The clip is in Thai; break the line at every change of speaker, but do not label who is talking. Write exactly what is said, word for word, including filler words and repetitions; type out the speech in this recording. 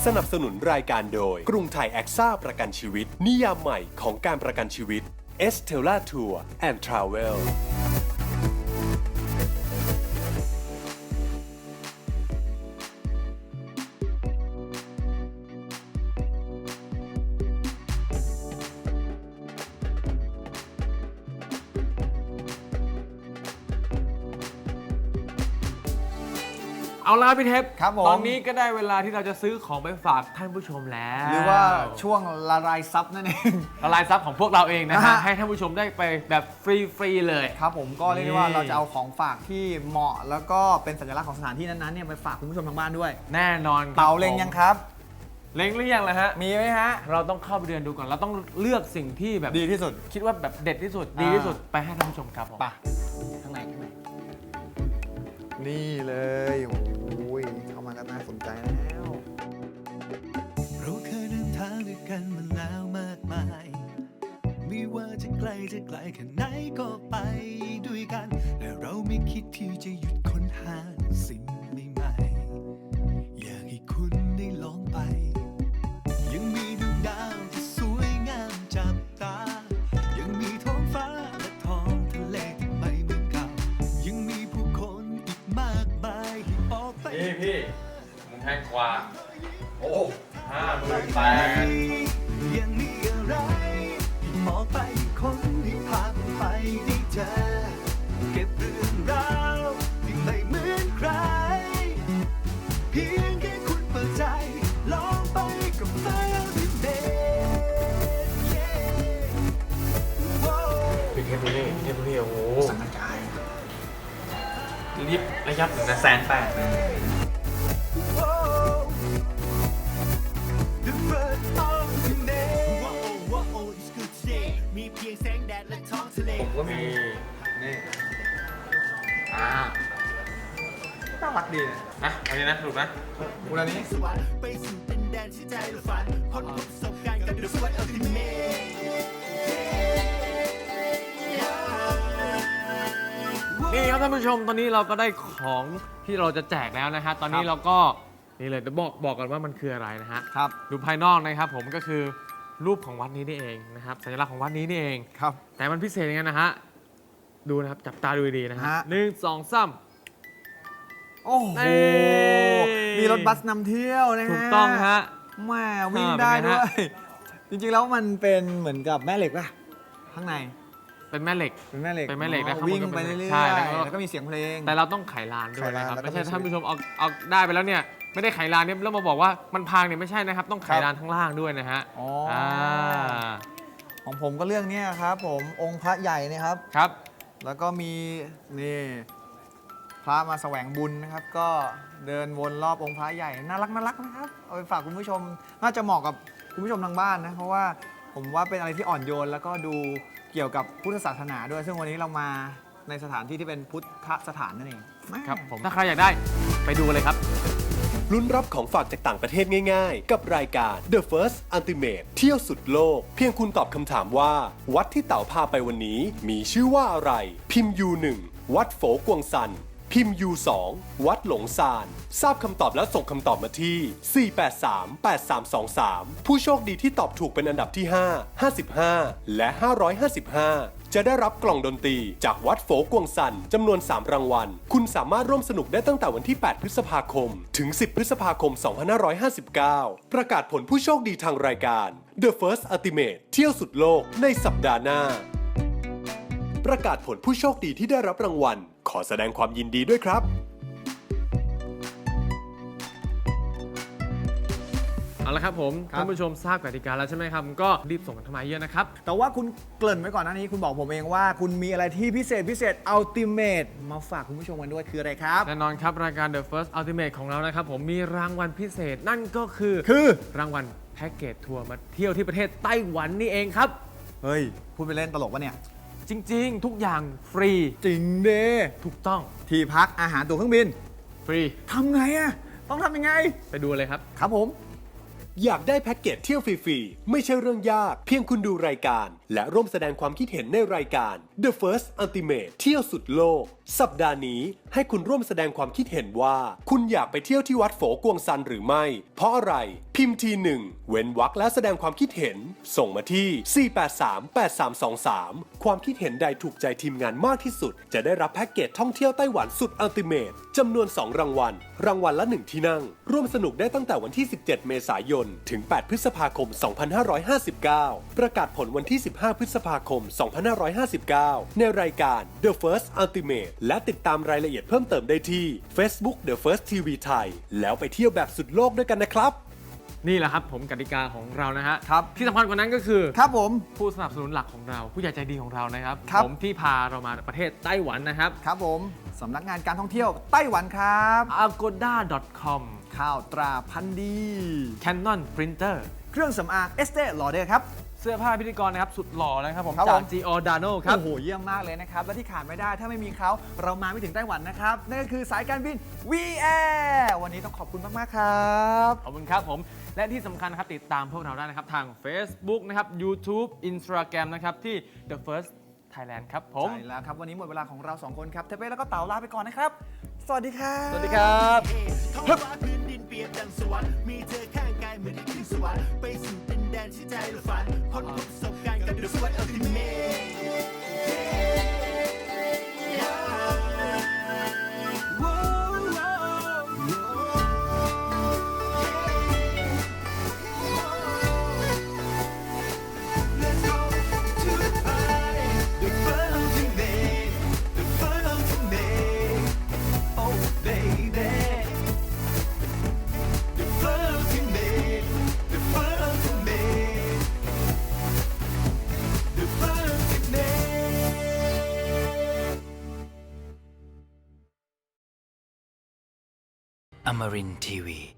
สนับสนุนรายการโดยกรุงไทยแอคซ่าประกันชีวิตนิยามใหม่ของการประกันชีวิต Estella Tour and Travel
เอาละพี่เทป
ครับผม
ตอนนี้ก็ได้เวลาที่เราจะซื้อของไปฝากท่านผู้ชมแล้ว
หรือว่าช่วงละลายซับนั่นเอง
ละลายซับของพวกเราเองนะ
นะ
ฮะ
ฮะ
ให้ท่านผู้ชมได้ไปแบบฟรีๆเลย
ครับผมก็เรียกได้ว่า
นี่
เราจะเอาของฝากที่เหมาะแล้วก็เป็นสัญลักษณ์ของสถานที่นั้นๆเนี่ยไปฝากคุณผู้ชมทางบ้านด้วย
แน่นอนครับ
เป่าเล็งยังครับ
เล็งหรือยังล่ะฮะ
มีไหมฮะ
เราต้องเข้าไปเดินดูก่อน เราต้องเลือกสิ่งที่แบบ
ดีที่สุด
คิดว่าแบบเด็ดที่สุด
อ่า
ดีที่สุดไปให้ท่านผู้ชมครับผม
ไปข้างในข้างในนี่เลยโอ้ยเข้ามาก็น่าสนใจแล้ว
เราเคยเดินทางด้วยกันมาแล้วมากมายไม่ว่าจะไกลจะไกลแค่ไหนก็ไปด้วยกันและเราไม่คิดที่จะหยุดค้นหาสิ่งใหม่ๆอยากให้คุณได้ลองไปยังมีดวงดาวที่สวยงามจับตายังมีท้องฟ้าและท้องทะเลที่ไม่เหมือนเก่ายังมีผู้คนอีกมากมายที่ออกไป
นี่พี่มึงแพงกว่าโอ้ห้าหมื่นแปด
ยังมีอะไรที่มองไปคนที่พาผมไปได้เจอเก็บเรื่องราวที่ไม่เหมือนใครเพียงแค่คุณเปิดใจลองไปกับไฟที่เด็ด
พี่เทปดูนี่พี่เทปดูนี่โอ้โห
สังกระจาย
รีบระยับถึงนะแสนแปด
The bird of the day ว้าวว้าว it's good today มีเพียงแสงแดดและท้องทะเล
ผมก็มี
นี่
นี่อ่าน่ารักดีนะ
นะอันนี้นะถูกนะ
อุลานี้
สวรรค์ไปสู่ดินแดนที่ใจเราฝันพ้นประสบการณ์กับ The Bird of the day
นี่ครับท่านผู้ชมตอนนี้เราก็ได้ของที่เราจะแจกแล้วนะฮะตอนนี้
ครับ
เราก็นี่เลยเดี๋ยวบอกบอกกันว่ามันคืออะไรนะฮะ
ครับ
ดูภายนอกนะครับผมก็คือรูปของวัดนี้นี่เองนะครับสัญลักษณ์ของวัดนี้นี่เอง
ครับ
แต่มันพิเศษยังไงนะฮะดูนะครับจับตาดูดีๆนะฮะ
ฮะ
หนึ่งสองสาม
โอ้โห
เอ้ย
มีรถบัสนำเที่ยวนะฮะ
ถูกต้องฮะ
แม่วิ่ง
อ่า
ได้
เป็นไง
ด้ว
ฮะ
ย จริงๆแล้วมันเป็นเหมือนกับแม่เหล็กป่ะข้างใน
เป็นแม่เหล็ก
เป็นแม่เหล็ก
เป็นแม่เหล็กนะ
อ๋อ
ข้างบน
วิ่ง
ก็เป็น
ไปเรื่อยๆ
ใช่แล้วก็
แล้วก็มีเสียงเพลง
แต่เราต้องไขลานด้วย
ไขลาน
นะครับ
แล้วก็
ไม่ใช่
มี
ท่านผู้ชมเอาเอาได้ไปแล้วเนี่ยไม่ได้ไขลานเนี่ยแล้วมาบอกว่ามันพังเนี่ยไม่ใช่นะครับต้องไข
ครับ
ลานข้างล่างด้วยนะฮะ
อ๋ออ่
า
ของผมก็เรื่องเนี้ยครับผมองค์พระใหญ่นะครับ
ครับ
แล้วก็มีนี่พระมาแสวงบุญนะครับ ก็เดินวนรอบองค์พระใหญ่น่ารักน่ารักนะครับเอาไปฝากคุณผู้ชมน่าจะเหมาะกับคุณผู้ชมทางบ้านนะเพราะว่าผมว่าเป็นอะไรที่อ่อนโยน แล้วก็ดูเกี่ยวกับพุทธศาสนาด้วย ซึ่งวันนี้เรามาในสถานที่ที่เป็นพุทธสถานนั่นเอง
ครับผมถ้าใครอยากได้ไปดูเลยครับ
ลุ้นรับของฝากจากต่างประเทศง่ายๆ กับรายการ The First Ultimate เที่ยวสุดโลก เพียงคุณตอบคำถามว่า วัดที่เต๋าพาไปวันนี้ มีชื่อว่าอะไร พิมพ์ ยู หนึ่ง วัดโฝกวงซัน พิมพ์ ยู สอง วัดหลงซาน ทราบคำตอบแล้วส่งคำตอบมาที่ สี่ แปด สาม แปด สาม สอง สาม ผู้โชคดีที่ตอบถูกเป็นอันดับที่ ห้า ห้าสิบห้า และ ห้าร้อยห้าสิบห้า จะได้รับกล่องดนตรีจากวัดโฝกวงซันจำนวน สาม รางวัล คุณสามารถร่วมสนุกได้ตั้งแต่วันที่ แปด พฤษภาคม ถึง สิบ พฤษภาคม สองพันห้าร้อยห้าสิบเก้า ประกาศผลผู้โชคดีทางรายการ The First Ultimate เที่ยวสุดโลกในสัปดาห์หน้า ประกาศผลผู้โชคดีที่ได้รับรางวัล ขอแสดงความยินดีด้วยครับ
เอาละครับผม
ครับ
ท่านผู้ชมทราบกติกาแล้วใช่ไหมครับก็รีบส่งกันเข้ามาเยอะนะครับ
แต่ว่าคุณเกริ่นไว้ก่อนหน้านี้คุณบอกผมเองว่า คุณมีอะไรที่พิเศษพิเศษอัลติเมทมาฝากคุณผู้ชมกันด้วยคืออะไรครับ
แน่นอนครับ รายการ The First Ultimate ของเรานะครับผมมีรางวัลพิเศษนั่นก็คือ
คือ
รางวัลแพ็กเกจทัวร์มาเที่ยวที่ประเทศไต้หวันนี่เองครับ
เฮ้ยพูดไปเล่นตลกปะเนี่ย
จริงๆ ทุกอย่างฟรี
จริงเด้
ถูกต้อง
ที่พักอาหารตั๋วเครื่องบิน
ฟรี
ทำไงอะต้องทำยังไง
ไปดูเลยครับ
ครับผม
อยากได้แพ็กเกจเที่ยวฟรีๆ ไม่ใช่เรื่องยาก เพียงคุณดูรายการ และร่วมแสดงความคิดเห็นในรายการ The First Ultimate เที่ยวสุดโลก สัปดาห์นี้ให้คุณร่วมแสดงความคิดเห็นว่า คุณอยากไปเที่ยวที่วัดโฝกวงซันหรือไม่ เพราะอะไร พิมพ์ทีหนึ่งเว้นวรรคแล้วแสดงความคิดเห็น ส่งมาที่ สี่ แปด สาม แปด สาม สอง สาม ความคิดเห็นใดถูกใจทีมงานมากที่สุด จะได้รับแพ็กเกจท่องเที่ยวไต้หวันสุดอัลติเมทจำนวน สอง รางวัล รางวัลละ หนึ่ง ที่นั่ง ร่วมสนุกได้ตั้งแต่วันที่ สิบเจ็ด เมษายน ถึง แปด พฤษภาคม สองพันห้าร้อยห้าสิบเก้า ประกาศผลวันที่ สิบห้า พฤษภาคม สองพันห้าร้อยห้าสิบเก้า ในรายการ The First Ultimate และติดตามรายละเอียดเพิ่มเติมได้ที่ Facebook The First ที วี ไทย แล้วไปเที่ยวแบบสุดโลกด้วยกันนะครับ
นี่แหละครับผมกติกาของเรานะฮะ
ครับ
ที่สำคัญกว่านั้นก็คือ
ครับผม
ผู้สนับสนุนหลักของเราผู้ใหญ่ใจดีของเรานะครับ
ครับ
ผมที่พาเรามาประเทศไต้หวันนะครับ
ครับผมสำนักงานการท่องเที่ยวไต้หวันครับ
อาโกด้า ดอท คอม
ข้าวตราพันธุ์ดี
Canon Printer
เครื่องสำอางเอสเต ลอเดอร์ครับ
เสื้อผ้าพิธีกรนะครับ สุดหล่อนะครับผม
ครับ
จา
ผ
ก
ม
Giordano ครับ
โอ้โห เยี่ยมมากเลยนะครับ และที่ขาดไม่ได้ถ้าไม่มีเขาเรามาไม่ถึงไต้หวันนะครับ นั่นก็คือสายการบิน วี แอร์ วันนี้ต้องขอบคุณมาก ๆ ครับ
ขอบคุณครับผม และที่สำคัญนะครับติดตามพวกเราได้นะครับทาง Facebook นะครับ YouTube Instagram นะครับที่ The First Thailand ครับผม
ใช่แล้วครับ วันนี้หมดเวลาของเราสองคนครับเทเป้แล้วก็เต๋าลาไปก่อนนะครับ สวัสดีครับ
สวัสดีครับ
ท้องฟ้าพื้นดินเปรียบดังสวรรค์มีเธอข้างกายเหมือนได้ขึ้นสวรรค์ไปสู่ดินแดนที่ใจเราฝันพ้นทุกประสบการณ์กับ The First Ultimate Let's go to the party The First Ultimate The First Ultimate Oh baby The First Ultimate The First Ultimate The First Ultimate
Amarin Tiwi.